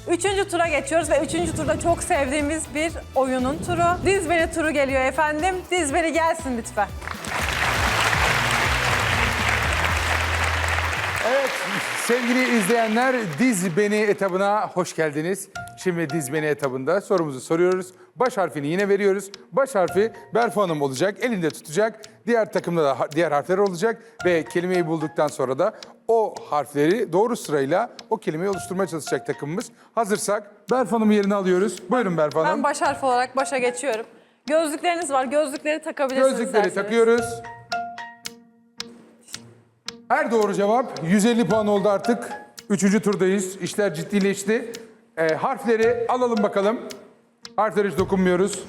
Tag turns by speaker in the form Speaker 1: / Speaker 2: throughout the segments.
Speaker 1: Üçüncü tura geçiyoruz ve üçüncü turda çok sevdiğimiz bir oyunun turu. Diz Beni turu geliyor efendim. Diz Beni gelsin lütfen.
Speaker 2: Evet sevgili izleyenler Diz Beni etabına hoş geldiniz. Şimdi Diz Beni etabında sorumuzu soruyoruz. Baş harfini yine veriyoruz. Baş harfi Berfu Hanım olacak, elinde tutacak. Diğer takımda da diğer harfler olacak. Ve kelimeyi bulduktan sonra da o harfleri doğru sırayla o kelimeyi oluşturmaya çalışacak takımımız. Hazırsak Berfu Hanım'ın yerini alıyoruz. Buyurun Berfu Hanım.
Speaker 1: Ben baş harf olarak başa geçiyorum. Gözlükleriniz var. Gözlükleri takabilirsiniz.
Speaker 2: Gözlükleri
Speaker 1: isterseniz.
Speaker 2: takıyoruz. Her doğru cevap 150 puan oldu artık. Üçüncü turdayız. İşler ciddileşti. Harfleri alalım bakalım. Harflere hiç dokunmuyoruz.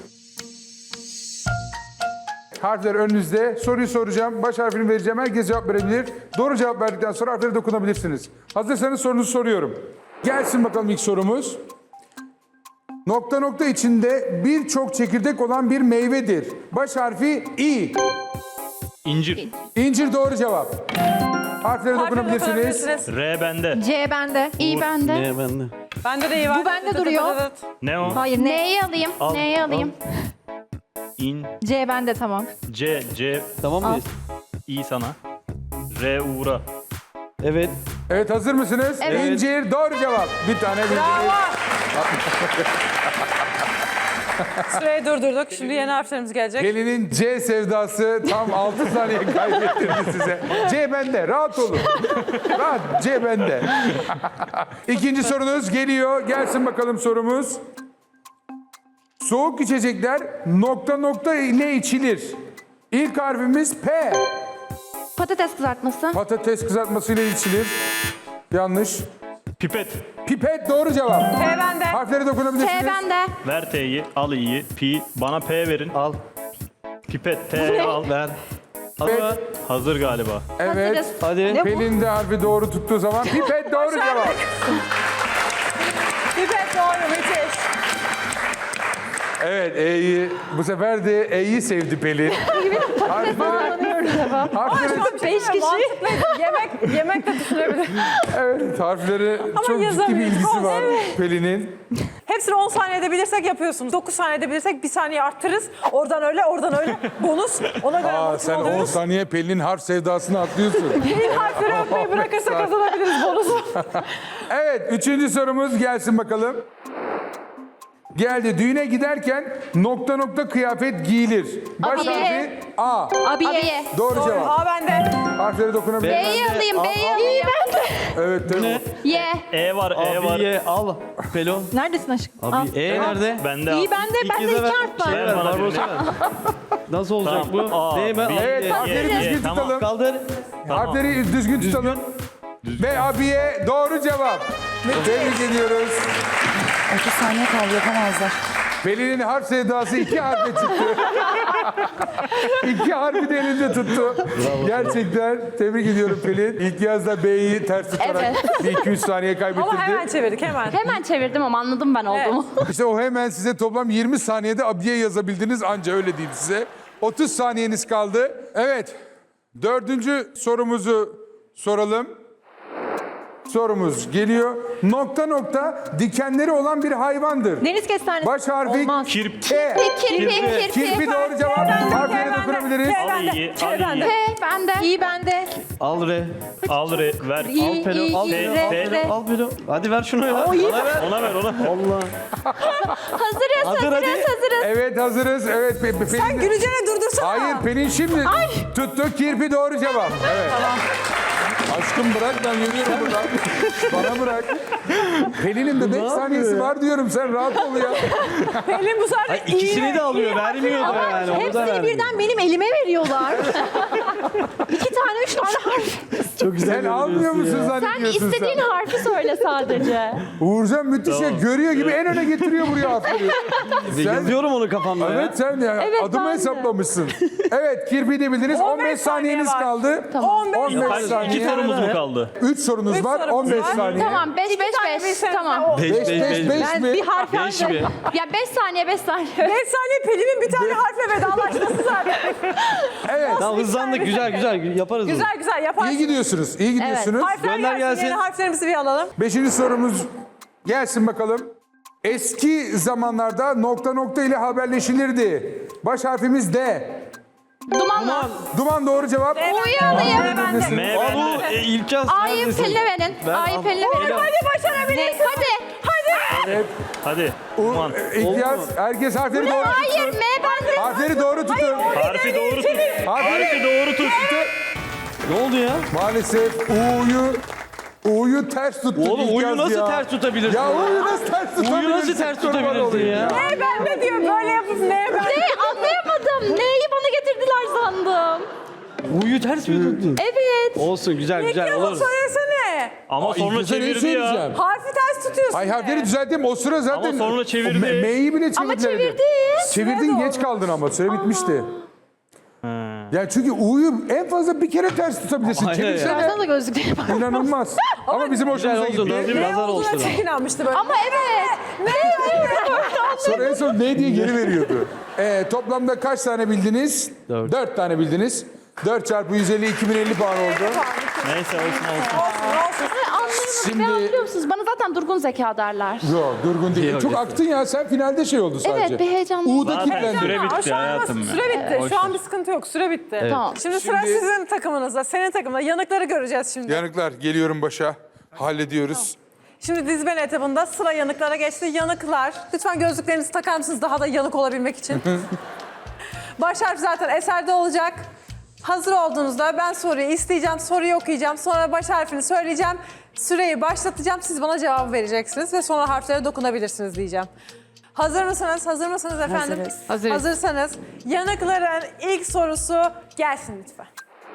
Speaker 2: Harfler önünüzde. Soruyu soracağım. Baş harfini vereceğim. Herkes cevap verebilir. Doğru cevap verdikten sonra harflere dokunabilirsiniz. Hazırsanız sorunuzu soruyorum. Gelsin bakalım ilk sorumuz. Nokta nokta içinde birçok çekirdek olan bir meyvedir. Baş harfi İ.
Speaker 3: İncir.
Speaker 2: İncir doğru cevap. Harflere dokunabilirsiniz.
Speaker 1: Dokunabilirsiniz.
Speaker 3: R bende.
Speaker 4: C bende. İ bende.
Speaker 3: Ne bende?
Speaker 1: Bende de iyi var.
Speaker 4: Bu bende duruyor.
Speaker 3: Ne o?
Speaker 4: Hayır N'yi alayım.
Speaker 3: Al,
Speaker 4: N'yi alayım.
Speaker 3: İn.
Speaker 4: C bende tamam.
Speaker 3: C.
Speaker 5: Tamam mıyız?
Speaker 3: İ sana. R Uğur'a.
Speaker 5: Evet.
Speaker 2: Evet hazır mısınız?
Speaker 4: Evet.
Speaker 2: İncir doğru cevap. Bir tane bildiniz.
Speaker 1: Bravo. Süreyi durdurduk. Şimdi yeni harflerimiz gelecek.
Speaker 2: Pelin'in C sevdası tam 6 saniye kaybettirdi size. C bende. Rahat olun. Rahat. C bende. İkinci sorunuz geliyor. Gelsin bakalım sorumuz. Soğuk içecekler nokta nokta ile içilir. İlk harfimiz P.
Speaker 4: Patates kızartması.
Speaker 2: Patates kızartması ile içilir. Yanlış.
Speaker 3: Pipet.
Speaker 2: Pipet doğru cevap.
Speaker 1: P bende.
Speaker 2: Harflere dokunabilirsiniz.
Speaker 4: T bende.
Speaker 3: Ver T'yi. Al İ'yi. Pi. Bana P verin.
Speaker 5: Al.
Speaker 3: Pipet. T al.
Speaker 5: Ver. Hazır mı?
Speaker 3: Hazır galiba.
Speaker 2: Evet.
Speaker 4: Patates.
Speaker 5: Hadi.
Speaker 2: Pelin de harfi doğru tuttuğu zaman pipet doğru cevap.
Speaker 1: Pipet doğru. Müthiş.
Speaker 2: Evet E'yi bu sefer de E'yi sevdi Pelin. Harfleri,
Speaker 1: Beş kişi. Yemek de düşünebilir.
Speaker 2: evet harfleri çok ciddi bir
Speaker 1: yazamıyoruz.
Speaker 2: ilgisi var
Speaker 1: Evet.
Speaker 2: Pelin'in.
Speaker 1: Hepsini 10 saniyede bilirsek yapıyorsunuz. 9 saniyede bilirsek 1 saniye arttırırız. Oradan öyle, oradan öyle. Bonus. Ona göre
Speaker 2: Aa,
Speaker 1: bonus
Speaker 2: sen 10
Speaker 1: alıyoruz.
Speaker 2: saniye Pelin'in harf sevdasını atlıyorsun.
Speaker 1: Pelin harfleri atmayı bırakırsa kazanabiliriz bonusu.
Speaker 2: Evet üçüncü sorumuz gelsin bakalım. Geldi. Düğüne giderken nokta nokta kıyafet giyilir. Baş
Speaker 4: Abiye.
Speaker 2: harfi A.
Speaker 4: Abiye.
Speaker 2: Doğru cevap.
Speaker 1: A bende.
Speaker 2: Harfleri dokunabilir.
Speaker 4: B'yi alayım. B'yi alayım.
Speaker 2: Evet tabii.
Speaker 4: Y.
Speaker 3: E var. E var.
Speaker 5: Abiye al. Pelon.
Speaker 4: Neredesin aşkım? Al.
Speaker 5: Abi E nerede?
Speaker 3: Bende al.
Speaker 4: İyi bende. Bende
Speaker 5: kez de
Speaker 4: 2
Speaker 5: ver.
Speaker 4: harf var.
Speaker 3: Ver
Speaker 5: Ver,
Speaker 3: bana
Speaker 5: Barbaros
Speaker 3: birini.
Speaker 5: ver. Nasıl olacak
Speaker 3: Tamam.
Speaker 5: bu?
Speaker 3: A,
Speaker 5: Değil mi?
Speaker 3: B,
Speaker 2: Evet
Speaker 3: Y,
Speaker 2: harfleri
Speaker 3: Y,
Speaker 2: düzgün
Speaker 3: tamam.
Speaker 2: tutalım.
Speaker 5: Kaldır.
Speaker 2: Harfleri düzgün tutalım. Ve abiye doğru cevap. Tebrik ediyoruz.
Speaker 6: 30 saniye kaldı yapamazlar.
Speaker 2: Pelin'in harf sevdası 2 harfe çıktı. 2 harfi de elinde tuttu. Gerçekten tebrik ediyorum Pelin. İlk yazda B'yi ters tutarak bir 200 saniye kaybettirdi.
Speaker 1: Ama hemen çevirdik hemen.
Speaker 4: Hemen çevirdim ama anladım ben olduğumu.
Speaker 2: İşte o hemen size toplam 20 saniyede abiye yazabildiniz anca öyle diyeyim size. 30 saniyeniz kaldı. Evet. Dördüncü sorumuzu soralım. Sorumuz geliyor. Nokta nokta dikenleri olan bir hayvandır.
Speaker 4: Deniz kestanesi.
Speaker 2: Baş harfi
Speaker 4: Olmaz.
Speaker 3: Kirp.
Speaker 2: K.
Speaker 4: Kirpi.
Speaker 2: Kirpi doğru cevap. Harflere dokunabiliriz.
Speaker 3: Al İ'yi. Al İ'yi.
Speaker 4: P bende. İ bende.
Speaker 5: Al re.
Speaker 3: Al R. Ver.
Speaker 4: İ,
Speaker 5: Pelon. Al
Speaker 4: İ,
Speaker 5: Pelon.
Speaker 4: R,
Speaker 5: Al
Speaker 4: R.
Speaker 5: Pelon. Al Pelon. Hadi ver şunu ya. Bana ver.
Speaker 3: Ona ver ona.
Speaker 5: Allah.
Speaker 4: Hazırız.
Speaker 5: hadi.
Speaker 2: Evet hazırız. Evet Pelin.
Speaker 1: Sen güleceğine durdursana.
Speaker 2: Hayır Pelin şimdi tuttu. Kirpi doğru cevap. Evet. Aşkım bırak ben yürüyorum buradan. Bana bırak. Pelin'in de 5 saniyesi var diyorum sen rahat ol ya.
Speaker 1: Pelin bu sefer
Speaker 5: İkisini de alıyor. Vermiyor da yani. O da
Speaker 4: Hepsini
Speaker 5: vermiyor.
Speaker 4: birden benim elime veriyorlar. 2 tane 3 tane harf.
Speaker 5: Çok güzel.
Speaker 2: Sen almıyor musun
Speaker 4: Sen
Speaker 2: zannediyorsun
Speaker 4: istediğin harfi söyle sadece.
Speaker 2: Uğurcan müthiş ya. Görüyor gibi en öne getiriyor buraya harfleri.
Speaker 5: Yazıyorum onu kafamda ya.
Speaker 2: Evet sen ya
Speaker 4: Evet,
Speaker 2: adımı
Speaker 4: ben de.
Speaker 2: hesaplamışsın. Evet kirpi de bildiniz. 15 saniyeniz
Speaker 1: saniye var.
Speaker 2: kaldı.
Speaker 4: Tamam.
Speaker 1: 15
Speaker 2: 15
Speaker 3: Hayır,
Speaker 2: saniye.
Speaker 3: 2 sorumuz mu kaldı?
Speaker 2: 3 sorunuz
Speaker 1: Üç
Speaker 2: var.
Speaker 1: sorumuz
Speaker 2: 15
Speaker 1: var.
Speaker 2: saniye.
Speaker 4: Tamam 5 5 5. Tamam.
Speaker 2: 5 5 5 mi?
Speaker 4: Bir harf
Speaker 5: Beş
Speaker 4: önce.
Speaker 5: mi?
Speaker 4: Ya 5 saniye 5 saniye.
Speaker 1: 5 saniye Pelin'in bir tane harfle vedalaşması zaten.
Speaker 2: Evet.
Speaker 5: Tamam hızlandık. Güzel güzel. Yaparız bunu.
Speaker 1: Güzel güzel
Speaker 2: İyi
Speaker 1: yaparsın.
Speaker 2: gidiyorsunuz. İyi gidiyorsunuz.
Speaker 1: Harfler
Speaker 5: Gönder
Speaker 1: gelsin.
Speaker 5: gelsin.
Speaker 1: Yeni harflerimizi bir alalım.
Speaker 2: 5. sorumuz Gelsin bakalım. Eski zamanlarda nokta nokta ile haberleşilirdi. Baş harfimiz D.
Speaker 4: Dumanla.
Speaker 2: Duman doğru cevap.
Speaker 4: Uyanayım.
Speaker 2: Neredesin?
Speaker 3: M bende.
Speaker 5: İlkaz
Speaker 4: A'yı
Speaker 5: neredesin?
Speaker 4: Pelin'e verin. A'yı Pelin'e verin.
Speaker 1: Hadi başarabilirsin.
Speaker 4: Hadi.
Speaker 2: Evet.
Speaker 3: Hadi. Duman.
Speaker 2: İhtiyaç. Herkes harfleri doğru
Speaker 4: Hayır
Speaker 2: tutun.
Speaker 4: M bende.
Speaker 2: Harfleri doğru tutun.
Speaker 3: Harfi doğru tut. Harfi doğru tut.
Speaker 5: Ne oldu ya?
Speaker 2: Maalesef U'yu ters tuttun.
Speaker 5: Oğlum U'yu
Speaker 2: İhtiyaç
Speaker 5: nasıl
Speaker 2: ya.
Speaker 5: ters tutabilirsin?
Speaker 2: Ya U'yu nasıl ters tutabilirsin?
Speaker 5: U'yu nasıl ters
Speaker 2: Kurban
Speaker 5: tutabilirsin
Speaker 2: olayım
Speaker 5: ya?
Speaker 1: Ne bende diyor. Böyle yapıp ne bende.
Speaker 4: Ne anlayamadım. Neyi bana getirdiler sandım.
Speaker 5: U'yu ters mi tuttun?
Speaker 4: Evet.
Speaker 5: Olsun güzel güzel
Speaker 1: Peki
Speaker 5: olur.
Speaker 1: ama söylesene.
Speaker 3: Ama sonra
Speaker 2: İlkaz'a ne
Speaker 3: çevirdi ya.
Speaker 2: söyleyeceğim?
Speaker 1: Harfi ters tutuyorsun.
Speaker 2: Ay harfleri düzelttim. O sıra zaten...
Speaker 3: Ama sonra çevirdi.
Speaker 2: O M'yi bile
Speaker 4: Ama
Speaker 2: çevirdiler.
Speaker 4: çevirdi.
Speaker 2: Çevirdin geç kaldın ama süre bitmişti. Yani çünkü U'yu en fazla bir kere ters tutabilirsin.
Speaker 5: Aynen
Speaker 2: Çevirsene.
Speaker 4: Sana da gözlükleri var.
Speaker 2: İnanılmaz. Ama bizim
Speaker 5: Güzel
Speaker 2: hoşumuza
Speaker 5: oldu.
Speaker 2: gitti.
Speaker 5: Nazım
Speaker 1: Ne
Speaker 5: nazar
Speaker 1: olduğuna
Speaker 5: olsun.
Speaker 1: çok inanmıştı böyle.
Speaker 4: Ama evet.
Speaker 2: Sonra en son ne diye geri veriyordu. Toplamda kaç tane bildiniz?
Speaker 5: Dört.
Speaker 2: 4 tane bildiniz. 4 çarpı 150 2050 puan oldu.
Speaker 3: Neyse olsun olsun.
Speaker 4: Anlayamadım.
Speaker 2: Şimdi-
Speaker 4: Ne anlıyor musunuz? Bana zaten durgun zeka derler.
Speaker 2: Yok durgun değil.
Speaker 5: Yok,
Speaker 2: Çok
Speaker 5: yok.
Speaker 2: aktın ya. Sen finalde şey oldu sadece.
Speaker 4: Evet, bir heyecanlı.
Speaker 2: U'da
Speaker 3: Zaten
Speaker 2: kilitlendin.
Speaker 3: süre
Speaker 1: Ama
Speaker 3: bitti
Speaker 1: şu an
Speaker 3: hayatım ya.
Speaker 1: süre bitti.
Speaker 3: Boş
Speaker 1: Şu an
Speaker 3: ver.
Speaker 1: bir sıkıntı yok. Süre bitti.
Speaker 4: Tamam.
Speaker 1: Şimdi sıra
Speaker 2: Şimdi-
Speaker 1: sizin takımınızda, senin takımında. Yanıkları göreceğiz şimdi.
Speaker 2: Yanıklar geliyorum başa. Hallediyoruz.
Speaker 1: Şimdi dizben etabında sıra yanıklara geçti. Yanıklar, lütfen gözlüklerinizi takar mısınız daha da yanık olabilmek için? Baş harf zaten eserde olacak. Hazır olduğunuzda ben soruyu isteyeceğim, soruyu okuyacağım. Sonra baş harfini söyleyeceğim. Süreyi başlatacağım. Siz bana cevabı vereceksiniz ve sonra harflere dokunabilirsiniz diyeceğim. Hazır mısınız? Hazır mısınız efendim?
Speaker 6: Hazırız.
Speaker 1: Hazırsanız yanıkların ilk sorusu gelsin lütfen.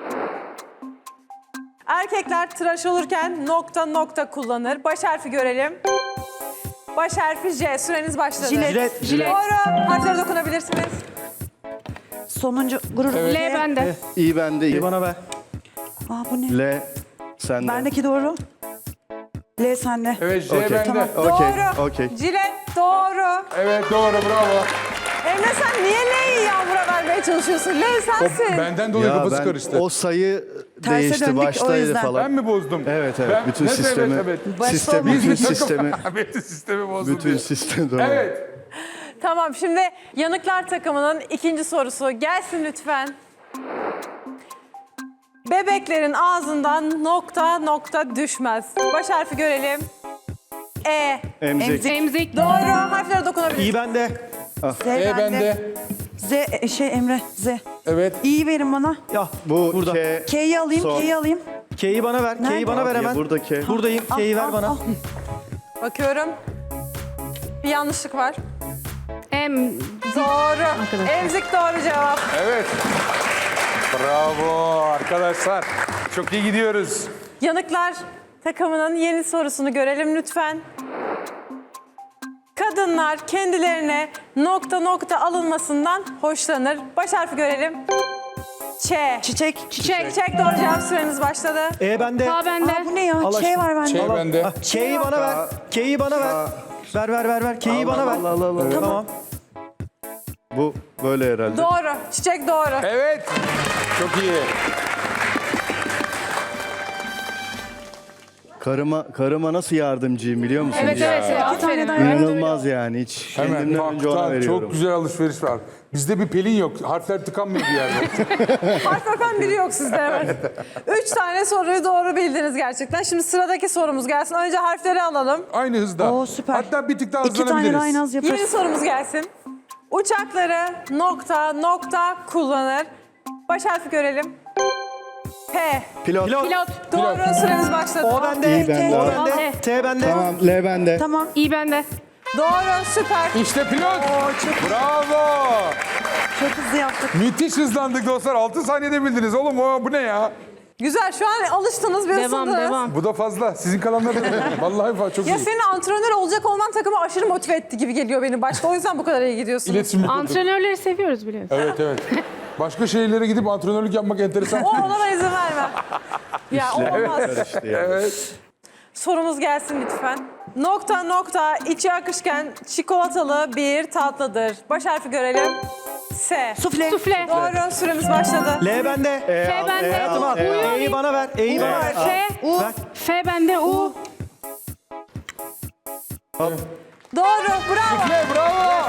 Speaker 1: Erkekler tıraş olurken nokta nokta kullanır. Baş harfi görelim. Baş harfi J. Süreniz başladı.
Speaker 6: Jilet.
Speaker 1: Doğru. Harflere dokunabilirsiniz.
Speaker 6: Sonuncu gurur.
Speaker 1: L bende.
Speaker 7: İyi bende iyi.
Speaker 5: Bana ver.
Speaker 6: Aa bu ne?
Speaker 7: L sende.
Speaker 6: Bendeki doğru. L sende.
Speaker 2: Evet J
Speaker 7: Okey.
Speaker 2: bende.
Speaker 6: Tamam.
Speaker 1: Doğru.
Speaker 7: Okey.
Speaker 1: Jilet doğru.
Speaker 2: Evet doğru bravo.
Speaker 1: Emre sen niye L'yi Yağmur'a vermeye çalışıyorsun? L sensin.
Speaker 2: Benden dolayı
Speaker 7: Ya
Speaker 2: kafası
Speaker 7: ben
Speaker 2: karıştı.
Speaker 7: o sayı
Speaker 6: Terse
Speaker 7: değişti
Speaker 6: döndük, o
Speaker 7: baştaydı
Speaker 6: yüzden.
Speaker 7: falan.
Speaker 2: Ben mi bozdum?
Speaker 7: Evet evet.
Speaker 2: Ben-
Speaker 7: bütün
Speaker 2: Evet,
Speaker 7: sistemi.
Speaker 2: evet.
Speaker 7: Sistem,
Speaker 2: Biz
Speaker 7: bütün
Speaker 2: bir takım-
Speaker 7: sistemi.
Speaker 2: Bütün sistemi bozdum
Speaker 7: Bütün
Speaker 2: diye.
Speaker 7: sistemi doğru.
Speaker 2: Evet.
Speaker 1: Tamam şimdi yanıklar takımının ikinci sorusu gelsin lütfen. Bebeklerin ağzından nokta nokta düşmez. Baş harfi görelim. E.
Speaker 7: Emzik.
Speaker 6: Emzik.
Speaker 1: Doğru. Harflere dokunabilirsiniz.
Speaker 5: İyi bende.
Speaker 6: Z
Speaker 2: E
Speaker 6: bende.
Speaker 2: bende.
Speaker 6: Z Emre Z.
Speaker 2: Evet.
Speaker 6: İyi verin bana.
Speaker 5: Ya
Speaker 7: Bu
Speaker 5: burada.
Speaker 7: K.
Speaker 6: K'yi alayım,
Speaker 7: Son.
Speaker 6: K'yi alayım.
Speaker 5: K'yi bana ver. K'yi bana ver hemen.
Speaker 7: Burada K.
Speaker 5: Buradayım. K'yi ver bana.
Speaker 1: Bakıyorum. Bir yanlışlık var.
Speaker 6: M.
Speaker 1: Doğru. Emzik doğru cevap.
Speaker 2: Evet. Bravo arkadaşlar. Çok iyi gidiyoruz.
Speaker 1: Yanıklar takımının yeni sorusunu görelim lütfen. Kadınlar kendilerine nokta nokta alınmasından hoşlanır. Baş harfi görelim. Ç.
Speaker 6: Çiçek.
Speaker 1: Çiçek doğru cevap, süreniz başladı.
Speaker 5: E bende.
Speaker 6: Aa bu ne ya?
Speaker 5: Allah
Speaker 6: Ç var bende.
Speaker 2: Şey bende.
Speaker 5: K'yi bana ver. K'yi bana ver. Ver. K'yi bana ver.
Speaker 7: Allah.
Speaker 5: Tamam.
Speaker 7: Bu böyle herhalde.
Speaker 1: Doğru. Çiçek doğru.
Speaker 2: Evet. Çok iyi.
Speaker 7: Karıma nasıl yardımcıyım biliyor musunuz?
Speaker 1: Evet evet.
Speaker 6: İki tane daha ver.
Speaker 7: İnanılmaz yani hiç.
Speaker 2: Hemen
Speaker 7: Kendimden önce ona
Speaker 2: baktan
Speaker 7: veriyorum.
Speaker 2: çok güzel alışveriş var. Bizde bir pelin yok. Harfler tıkanmıyor bir yerde.
Speaker 1: Harf öpen biri yok sizde evet. 3 tane soruyu doğru bildiniz gerçekten. Şimdi sıradaki sorumuz gelsin. Önce harfleri alalım.
Speaker 2: Aynı hızda.
Speaker 6: Oo, süper.
Speaker 2: Hatta bir tık daha
Speaker 6: İki tane
Speaker 2: hızlanabiliriz.
Speaker 6: daha en az
Speaker 1: Yeni
Speaker 6: yaparız.
Speaker 1: sorumuz gelsin. Uçakları nokta nokta kullanır. Baş harfi görelim. P.
Speaker 7: Pilot.
Speaker 1: Doğru, süreniz başladı.
Speaker 5: O bende.
Speaker 7: İyi bende.
Speaker 5: O bende. T bende.
Speaker 7: Tamam L bende.
Speaker 6: Tamam.
Speaker 1: Doğru, süper.
Speaker 2: İşte pilot. Bravo.
Speaker 6: Çok hızlı yaptık.
Speaker 2: Müthiş hızlandık dostlar. 6 saniyede bildiniz oğlum. Bu ne ya?
Speaker 1: Güzel, şu an alıştınız, bir ısındınız.
Speaker 2: Bu da fazla. Sizin kalanlar da vallahi çok
Speaker 1: Ya
Speaker 2: iyi.
Speaker 1: senin antrenör olacak olman takımı aşırı motive etti gibi geliyor beni başta. O yüzden bu kadar iyi gidiyorsun.
Speaker 2: İletişim kurduk.
Speaker 8: Antrenörleri seviyoruz biliyorsun.
Speaker 2: Evet. Başka şehirlere gidip antrenörlük yapmak enteresan.
Speaker 1: Ona ben izin vermem. Ya olmaz.
Speaker 7: Karıştı yani.
Speaker 2: Evet.
Speaker 1: Sorumuz gelsin lütfen. Nokta nokta içi akışkan çikolatalı bir tatlıdır. Baş harfi görelim. S.
Speaker 6: Sufle.
Speaker 1: Doğru, süremiz başladı.
Speaker 5: L bende.
Speaker 8: F bende.
Speaker 5: Hayatım al. E'yi bana ver. E'yi bana ver.
Speaker 8: F.
Speaker 5: Ver.
Speaker 8: F bende. U.
Speaker 1: Doğru. Bravo.
Speaker 2: Sufle bravo.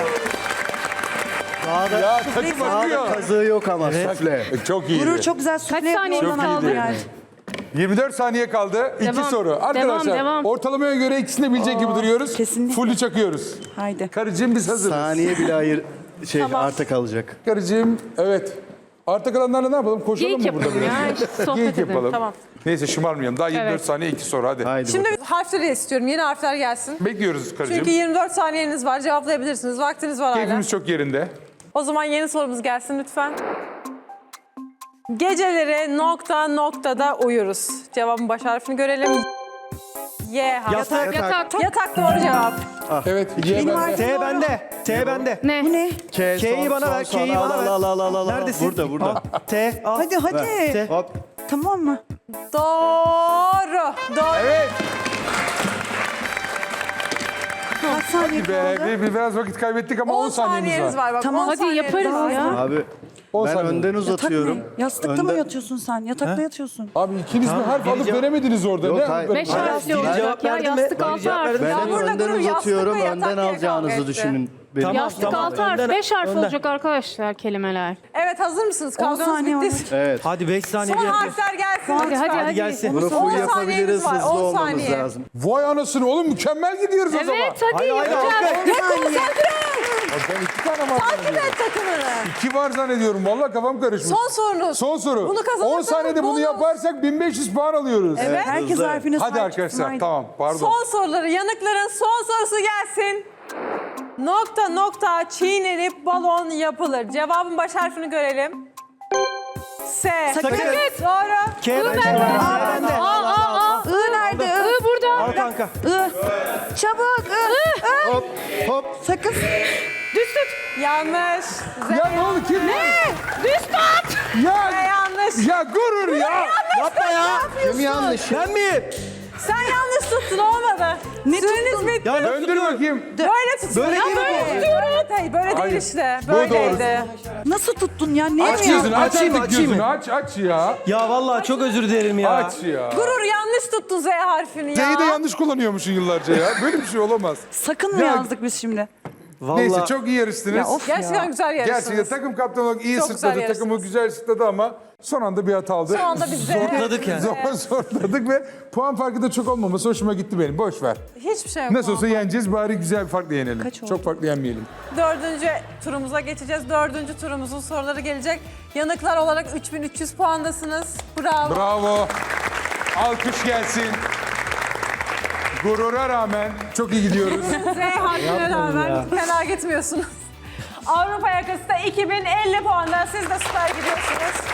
Speaker 5: Daha da
Speaker 2: Ya takım akıyor.
Speaker 7: Kazığı yok ama sufle.
Speaker 2: Çok iyi.
Speaker 6: Gurur çok güzel sufle
Speaker 4: saniye
Speaker 6: yapıyor.
Speaker 2: Çok
Speaker 6: Ondan
Speaker 2: iyiydi.
Speaker 6: aldı yani.
Speaker 2: 24 saniye kaldı. İki
Speaker 4: Devam.
Speaker 2: soru. Arkadaşlar
Speaker 4: Devam.
Speaker 2: ortalamaya göre ikisini de bilecek gibi duruyoruz.
Speaker 6: kesinlikle.
Speaker 2: Full'ü çakıyoruz.
Speaker 6: Haydi.
Speaker 2: Karıcığım biz hazırız.
Speaker 7: Saniye bile arta kalacak.
Speaker 2: Karıcığım evet. Arta kalanlarla ne yapalım? Koşalım
Speaker 4: Geyik
Speaker 2: mı burada
Speaker 4: yapalım
Speaker 2: biraz?
Speaker 4: ya. Sohbet
Speaker 2: Geyik
Speaker 4: edelim.
Speaker 2: yapalım.
Speaker 1: Tamam.
Speaker 2: Neyse şımarmayalım. Daha 24
Speaker 4: Evet.
Speaker 2: saniye 2 soru hadi.
Speaker 7: Haydi
Speaker 1: Şimdi
Speaker 7: bakalım.
Speaker 1: harfleri istiyorum. Yeni harfler gelsin.
Speaker 2: Bekliyoruz karıcığım.
Speaker 1: Çünkü 24 saniyeniz var. Cevaplayabilirsiniz. Vaktiniz var hala.
Speaker 2: Keyfimiz çok yerinde.
Speaker 1: O zaman yeni sorumuz gelsin lütfen. Geceleri nokta noktada uyuruz. Cevabın baş harfini görelim. Y harfi.
Speaker 5: Yatak.
Speaker 4: Yatak.
Speaker 1: Yatak doğru cevap.
Speaker 2: Evet. Y
Speaker 6: Benim
Speaker 2: bende.
Speaker 6: harfim
Speaker 5: T
Speaker 6: doğru.
Speaker 5: bende. T bende.
Speaker 4: Ne?
Speaker 6: Bu ne?
Speaker 5: K'yi bana ver. K'yi bana ver.
Speaker 7: Al.
Speaker 5: Neredesin?
Speaker 7: Burada.
Speaker 5: Al. T. Al.
Speaker 6: Hadi hadi.
Speaker 5: T.
Speaker 7: Hop.
Speaker 6: Tamam mı?
Speaker 1: Doğru. Doğru.
Speaker 2: Evet.
Speaker 6: Kaç saniye
Speaker 2: Be,
Speaker 6: kaldı?
Speaker 2: biraz vakit kaybettik ama 10
Speaker 1: 10
Speaker 2: saniyemiz
Speaker 1: saniyeniz
Speaker 2: var.
Speaker 1: var. Bak,
Speaker 6: Tamam.
Speaker 1: 10
Speaker 4: Hadi
Speaker 1: saniyeniz
Speaker 4: yaparız
Speaker 1: var.
Speaker 4: ya.
Speaker 7: Abi
Speaker 2: 10
Speaker 7: ben
Speaker 2: saniye.
Speaker 7: önden
Speaker 6: Yatak
Speaker 7: uzatıyorum.
Speaker 6: ne? Yastıkta mı
Speaker 7: Önden-
Speaker 6: yatıyorsun sen? Yatakta yatıyorsun.
Speaker 2: Abi ikiniz mi harf alıp
Speaker 5: cevap-
Speaker 2: veremediniz orada?
Speaker 7: Yok,
Speaker 2: Ne?
Speaker 7: hayır.
Speaker 4: 5
Speaker 7: Hayır,
Speaker 4: harfli
Speaker 7: ben-
Speaker 4: olacak ya.
Speaker 5: verdim ve-
Speaker 4: Yastık
Speaker 5: biri
Speaker 4: 6
Speaker 5: cevap
Speaker 4: harf.
Speaker 5: verdim.
Speaker 7: Ben
Speaker 1: Ya burada
Speaker 7: önden
Speaker 1: durun,
Speaker 7: uzatıyorum.
Speaker 1: yastıkla
Speaker 7: Önden
Speaker 1: yatak diye
Speaker 7: alacağınızı
Speaker 1: kavga
Speaker 7: düşünün. Benim.
Speaker 5: Tamam.
Speaker 4: Yastık 6 harf.
Speaker 5: önden-
Speaker 4: 5 harf
Speaker 5: önden.
Speaker 4: olacak arkadaşlar kelimeler.
Speaker 1: Evet hazır mısınız?
Speaker 6: 10
Speaker 1: Kavganız
Speaker 6: saniye
Speaker 1: bitti.
Speaker 7: Evet.
Speaker 5: Hadi 5 saniye
Speaker 1: Son
Speaker 5: bir yapayım.
Speaker 1: harfler gelsin.
Speaker 4: Hadi,
Speaker 1: lütfen.
Speaker 4: hadi.
Speaker 5: gelsin.
Speaker 7: Bunu
Speaker 1: 10
Speaker 7: full
Speaker 1: saniyeniz
Speaker 7: yapabiliriz.
Speaker 1: var,
Speaker 7: Hızlı
Speaker 1: 10
Speaker 7: olmamız
Speaker 1: saniye.
Speaker 7: lazım.
Speaker 2: Vay anasını oğlum mükemmel gidiyoruz o zaman.
Speaker 4: Evet hadi
Speaker 5: Haydi,
Speaker 4: yapacağız.
Speaker 5: haydi.
Speaker 2: Ben 2 tane var.
Speaker 1: Takip et takımını.
Speaker 2: 2 var zannediyorum. Vallahi kafam karışmış.
Speaker 1: Son sorunuz.
Speaker 2: Son soru.
Speaker 1: Bunu kazanırsanız
Speaker 2: 10 saniyede bunu
Speaker 1: bonus.
Speaker 2: yaparsak 1500 puan alıyoruz.
Speaker 1: Evet.
Speaker 6: Herkes
Speaker 7: hızlı.
Speaker 6: harfine
Speaker 2: Hadi
Speaker 6: sahip
Speaker 2: arkadaşlar
Speaker 6: çıksın, haydi.
Speaker 2: tamam pardon.
Speaker 1: Son soruları, yanıkların son sorusu gelsin. Nokta nokta çiğnenip balon yapılır. Cevabın baş harfini görelim. S.
Speaker 6: Sakız.
Speaker 1: Doğru.
Speaker 5: K bende. K bende.
Speaker 6: I nerede?
Speaker 4: I burada.
Speaker 5: Al kanka.
Speaker 6: I. Çabuk. I.
Speaker 7: Hop hop.
Speaker 6: Sakız.
Speaker 4: Düz tut.
Speaker 1: Yanlış. Z.
Speaker 2: Ya ne oldu kim?
Speaker 4: Düz tut.
Speaker 1: Z
Speaker 2: Ya,
Speaker 1: yanlış.
Speaker 2: ya gurur ya.
Speaker 5: Yapma ya.
Speaker 7: Kim yanlış?
Speaker 5: Ben miyim?
Speaker 1: Sen yanlış tuttun, olmadı.
Speaker 6: Ne
Speaker 1: Süreniz
Speaker 6: tuttun?
Speaker 1: bitti.
Speaker 5: Ya nasıl
Speaker 2: Döndür
Speaker 5: tutuyorum?
Speaker 2: bakayım.
Speaker 1: Böyle tutun.
Speaker 5: Böyle değil mi bu?
Speaker 1: Evet, hayır, böyle
Speaker 2: Hayır.
Speaker 1: değil işte.
Speaker 2: Bu
Speaker 1: Böyleydi.
Speaker 6: Nasıl tuttun ya? Ne
Speaker 2: Aç
Speaker 6: mi
Speaker 2: gözünü
Speaker 6: ya?
Speaker 2: aç
Speaker 5: Açayım mı,
Speaker 2: artık
Speaker 5: açayım
Speaker 2: gözünü
Speaker 5: mı?
Speaker 2: aç ya.
Speaker 5: Ya vallahi çok özür dilerim ya.
Speaker 2: Aç ya.
Speaker 1: Gurur yanlış tuttun Z harfini ya.
Speaker 2: Z'yi de yanlış kullanıyormuşsun yıllarca ya. Böyle bir şey olamaz.
Speaker 6: Sakın mı
Speaker 2: Ya-
Speaker 6: yazdık biz şimdi?
Speaker 5: Vallahi.
Speaker 2: Neyse çok iyi yarıştınız.
Speaker 6: Ya of
Speaker 1: Gerçekten
Speaker 6: ya.
Speaker 1: güzel yarıştınız.
Speaker 2: Gerçekten takım kaptanı olarak iyi
Speaker 1: Çok güzel
Speaker 2: sırtladı.
Speaker 1: yarıştınız.
Speaker 2: Takımı güzel sırtladı ama son anda bir hata aldı.
Speaker 1: Şu anda biz Z.
Speaker 5: Zorladık yani.
Speaker 2: Zorladık ve puan farkı da çok olmaması hoşuma gitti benim. Boş ver.
Speaker 1: Hiçbir şey yok.
Speaker 2: Nasıl olsa yeneceğiz bari güzel bir farkla yenelim.
Speaker 6: Kaç oldu?
Speaker 2: Çok farklı yenmeyelim.
Speaker 1: 4. turumuza geçeceğiz. 4. turumuzun soruları gelecek. Yanıklar olarak 3300 puandasınız. Bravo.
Speaker 2: Bravo. Alkış gelsin. Gurura rağmen çok iyi gidiyoruz.
Speaker 1: Z harfine rağmen fena gitmiyorsunuz. Avrupa yakası da 2050 puanda. Siz de süper gidiyorsunuz.